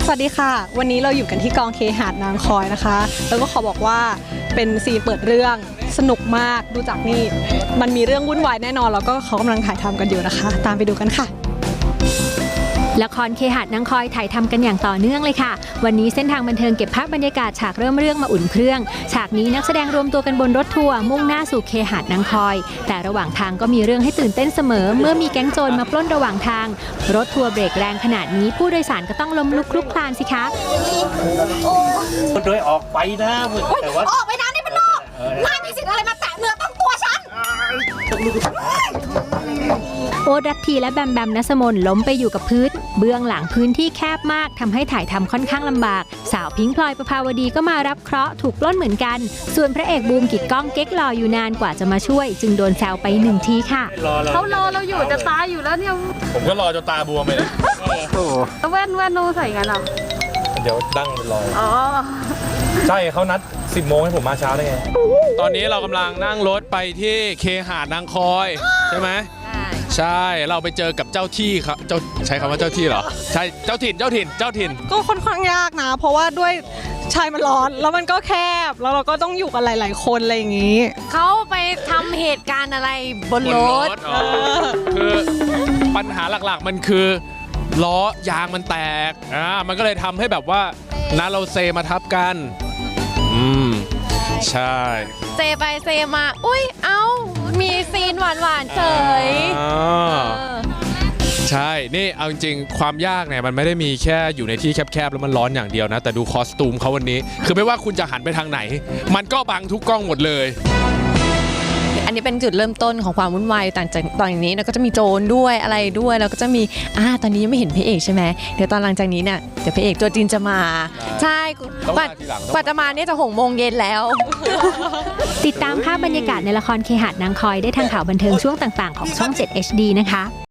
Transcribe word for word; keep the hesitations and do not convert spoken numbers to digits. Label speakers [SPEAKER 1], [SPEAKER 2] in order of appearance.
[SPEAKER 1] สวัสดีค่ะวันนี้เราอยู่กันที่กองเคหะนางคอยนะคะแล้วก็ขอบอกว่าเป็นซีนเปิดเรื่องสนุกมากดูจากนี่มันมีเรื่องวุ่นวายแน่นอนแล้วก็เขากำลังถ่ายทำกันอยู่นะคะตามไปดูกันค่ะ
[SPEAKER 2] ละครเคหะนางคอยถ่ายทำกันอย่างต่อเนื่องเลยค่ะวันนี้เส้นทางบันเทิงเก็บภาพบรรยากาศฉากเริ่มเรื่องมาอุ่นเครื่องฉากนี้นักแสดงรวมตัวกันบนรถทัวร์มุ่งหน้าสู่เคหะนางคอยแต่ระหว่างทางก็มีเรื่องให้ตื่นเต้นเสมอเมื่อมีแก๊งโจรมาปล้นระหว่างทางรถทัวร์เบรกแรงขนาดนี้ผู้โดยสารก็ต้องล้มลุกคลุกคลานสิคะ
[SPEAKER 3] โดยออกไปนะแต่ว่า
[SPEAKER 4] ออกไปนะนี่มันนอกนายมีสิทธิ์อะไรมาแตะเนื้อต้องตัวฉัน
[SPEAKER 2] โอดัตทีและแบมแบมนัสมนล้มไปอยู่กับพื้นเบื้องหลังพื้นที่แคบมากทำให้ถ่ายทำค่อนข้างลำบากสาวพิงค์พลอยประภาวดีก็มารับเคราะห์ถูกปล้นเหมือนกันส่วนพระเอกบูมกิจก้องเก๊กรออยู่นานกว่าจะมาช่วยจึงโดนแซวไปหนึ่งทีค่ะ
[SPEAKER 5] เขารอเราอยู่จะตายอยู่แล้วเนี่ย
[SPEAKER 3] ผมก็รอจนตาบวมเลยนะ
[SPEAKER 5] แว่นแว่นโนใส่กันอ่ะ
[SPEAKER 3] เดี๋ยวดั้งรอ
[SPEAKER 5] อ๋อ
[SPEAKER 3] ใช่เขานัดสิบโมงให้ผมมาเช้าได้ไง
[SPEAKER 6] ตอนนี้เรากำลังนั่งรถไปที่เคหะนางคอยใช่ไหมใช่เราไปเจอกับเจ้าที่ครับเจ้าใช้คำว่าเจ้าที่เหรอใช่เจ้าถิ่นเจ้าถิ่นเจ้าถิ่น
[SPEAKER 1] ก็ค่อนข้างยากนะเพราะว่าด้วยชายมันร้อนแล้วมันก็แคบแล้วเราก็ต้องอยู่กันหลายๆคนอะไรอย่างนี้
[SPEAKER 5] เขาไปทำเหตุการณ์อะไรบนรถ
[SPEAKER 6] คือปัญหาหลักๆมันคือล้อยางมันแตกอ่ามันก็เลยทำให้แบบว่านะเราเซมาทับกันอืมใช่
[SPEAKER 5] เซไปเซมาอุ้ยเอ้ามีซีนหวานๆเฉย
[SPEAKER 6] ใช่นี่เอาจริงๆความยากเนี่ยมันไม่ได้มีแค่อยู่ในที่แคบๆแล้วมันร้อนอย่างเดียวนะแต่ดูคอสตูมเขาวันนี้คือไม่ว่าคุณจะหันไปทางไหนมันก็บังทุกกล้องหมดเลย
[SPEAKER 5] อันนี้เป็นจุดเริ่มต้นของความวุ่นวายต่างจากตอนนี้แล้วก็จะมีโจรด้วยอะไรด้วยแล้วก็จะมีอ่าตอนนี้ยังไม่เห็นพระเอกใช่ไหมเดี๋ยวตอนหลังจากนี้เนี่ยเดี๋ยวพระเอกตัวจริงจะมาใช่กว่ากว่าจะมาเนี่ยจะหกโมงเย็นแล้ว
[SPEAKER 2] ติดตามภาพบรรยากาศในละครเคหะนางคอยได้ทางข่าวบันเทิงช่วงต่างๆของช่อง เจ็ด เอช ดี นะคะ